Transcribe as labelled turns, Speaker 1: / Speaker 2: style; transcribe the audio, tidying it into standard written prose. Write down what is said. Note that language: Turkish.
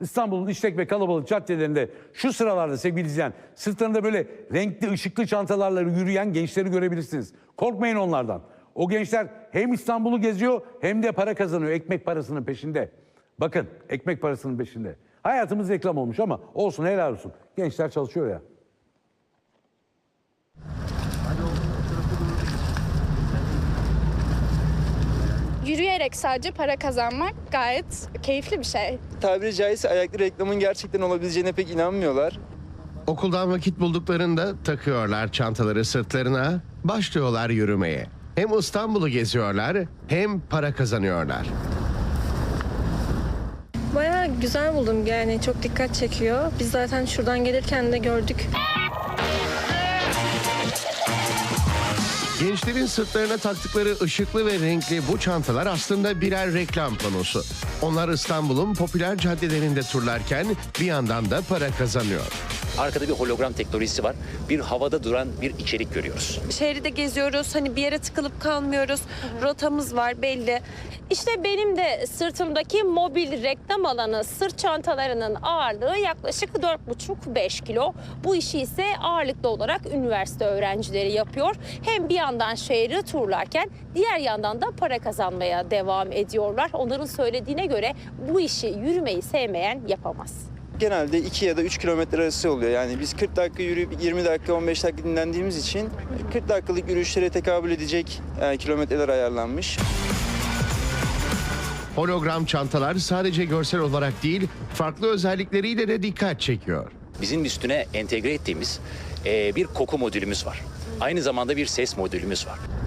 Speaker 1: İstanbul'un işlek ve kalabalık caddelerinde şu sıralarda sevgili izleyen, sırtlarında böyle renkli ışıklı çantalarla yürüyen gençleri görebilirsiniz. Korkmayın onlardan. O gençler hem İstanbul'u geziyor hem de para kazanıyor. Ekmek parasının peşinde. Bakın, ekmek parasının peşinde. Hayatımız reklam olmuş ama olsun, helal olsun. Gençler çalışıyor ya.
Speaker 2: Yürüyerek sadece para kazanmak gayet keyifli bir şey.
Speaker 3: Tabiri caizse ayaklı reklamın gerçekten olabileceğine pek inanmıyorlar.
Speaker 4: Okuldan vakit bulduklarında takıyorlar çantaları sırtlarına, başlıyorlar yürümeye. Hem İstanbul'u geziyorlar hem para kazanıyorlar.
Speaker 5: Bayağı güzel buldum, yani çok dikkat çekiyor. Biz zaten şuradan gelirken de gördük.
Speaker 4: Gençlerin sırtlarına taktıkları ışıklı ve renkli bu çantalar aslında birer reklam panosu. Onlar İstanbul'un popüler caddelerinde turlarken bir yandan da para kazanıyor.
Speaker 6: Arkada bir hologram teknolojisi var. Bir havada duran bir içerik görüyoruz.
Speaker 7: Şehri de geziyoruz. Hani bir yere tıkılıp kalmıyoruz. Rotamız var belli.
Speaker 8: İşte benim de sırtımdaki mobil reklam alanı sırt çantalarının ağırlığı yaklaşık 4,5-5 kilo. Bu işi ise ağırlıklı olarak üniversite öğrencileri yapıyor. Hem bir yandan şehri turlarken diğer yandan da para kazanmaya devam ediyorlar. Onların söylediğine göre bu işi yürümeyi sevmeyen yapamaz.
Speaker 3: Genelde 2 ya da 3 kilometre arası oluyor. Yani biz 40 dakika yürüyüp 20 dakika 15 dakika dinlendiğimiz için 40 dakikalık yürüyüşlere tekabül edecek kilometreler ayarlanmış.
Speaker 4: Hologram çantalar sadece görsel olarak değil, farklı özellikleriyle de dikkat çekiyor.
Speaker 6: Bizim üstüne entegre ettiğimiz bir koku modülümüz var. Aynı zamanda bir ses modülümüz var.